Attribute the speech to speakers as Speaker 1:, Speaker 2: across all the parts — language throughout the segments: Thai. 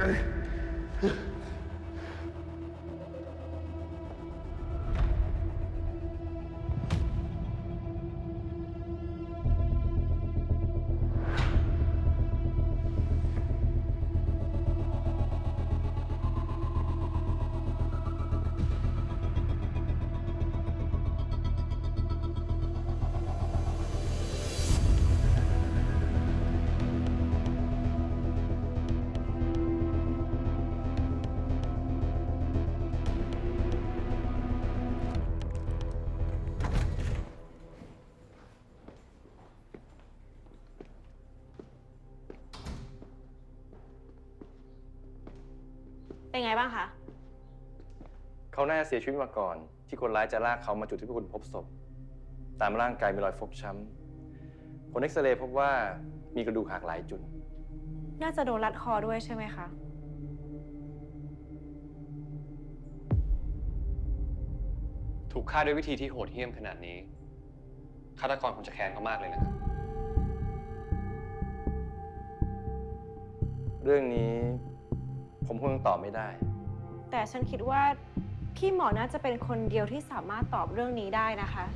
Speaker 1: เป็นไงบ้างคะ
Speaker 2: เขาน่าจะเสียชีวิตมาก่อนที่คนร้ายจะลากเขามาจุดที่พวกคุณพบศพตามร่างกายมีรอยฟกช้ำผลเอ็กซเรย์พบว่ามีกระดูกหักหลายจุด
Speaker 1: น่าจะโดนรัดคอด้วยใช่ไหมคะ
Speaker 3: ถูกฆ่าด้วยวิธีที่โหดเหี้ยมขนาดนี้ฆาตกรคงจะแค้นเขามากเลยนะครับ
Speaker 2: เรื่องนี้ผมคงตอบไม่ได้
Speaker 1: แต่ฉันคิดว่าพี่หมอน่าจะเป็นคนเดียวที่สามารถตอบเรื่องนี้ได้นะคะ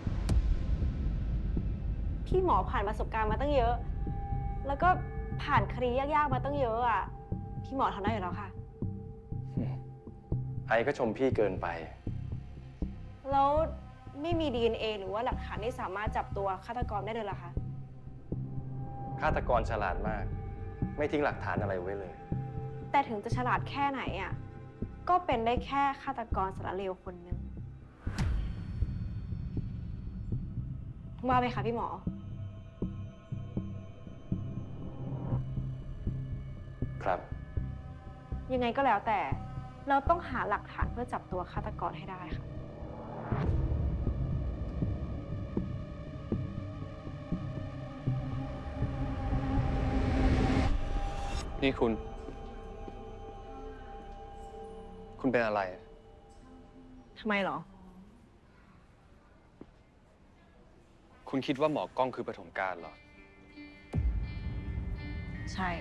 Speaker 1: พี่หมอผ่านประสบการณ์มาตั้งเยอะแล้วก็ผ่านคดียากๆมาตั้งเยอะอ่ะพี่หมอทำได้อยู่แล้วค่ะ
Speaker 2: ไอ้ก็ชมพี่เกินไป
Speaker 1: แล้วไม่มี DNA หรือว่าหลักฐานที่สามารถจับตัวฆาตกรได้เลยเหรอคะ
Speaker 2: ฆาตกรฉลาดมากไม่ทิ้งหลักฐานอะไรไว้เลย
Speaker 1: แต่ถึงจะฉลาดแค่ไหนอ่ะก็เป็นได้แค่ฆาตกรสารเลวคนหนึ่งว่าไหมคะพี่หมอ
Speaker 2: ครับ
Speaker 1: ยังไงก็แล้วแต่เราต้องหาหลักฐานเพื่อจับตัวฆาตกรให้ได้ค่ะ
Speaker 3: นี่คุณเป็นอะไร
Speaker 1: ทำไมหรอ
Speaker 3: คุณคิดว่าหมอกล้องคือปฐมกาลเหรอ
Speaker 1: ใช่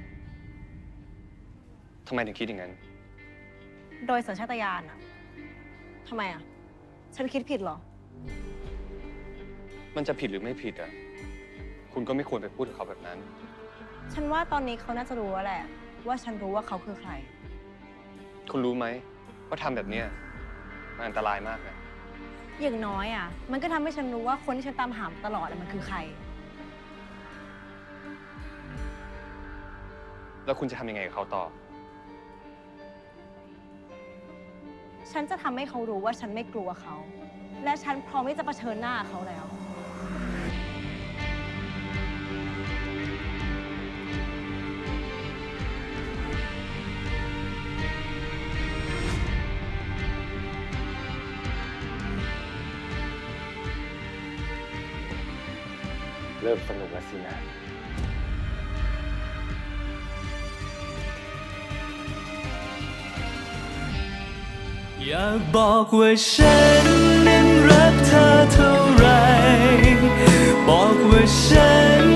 Speaker 3: ทำไมถึงคิดอย่างนั้น
Speaker 1: โดยสัญชาตญาณอะทำไมอะฉันคิดผิดเหรอ
Speaker 3: มันจะผิดหรือไม่ผิดอะคุณก็ไม่ควรไปพูดกับเขาแบบนั้น
Speaker 1: ฉันว่าตอนนี้เขาน่าจะรู้แล้วแหละว่าฉันรู้ว่าเขาคือใคร
Speaker 3: คุณรู้ไหมว่าทำแบบนี้มันอันตรายมากนะ
Speaker 1: อย่างน้อยอะมันก็ทำให้ฉันรู้ว่าคนที่ฉันตามหาตลอดมันคือใคร
Speaker 3: แล้วคุณจะทำยังไงกับเขาต่อ
Speaker 1: ฉันจะทำให้เขารู้ว่าฉันไม่กลัวเขาและฉันพร้อมที่จะเผชิญหน้าเขาแล้ว
Speaker 2: เริ่มสนุกแล้วสินะ
Speaker 4: อยากบอกว่าฉันนั้นรักเธอเท่าไรบอกว่าฉัน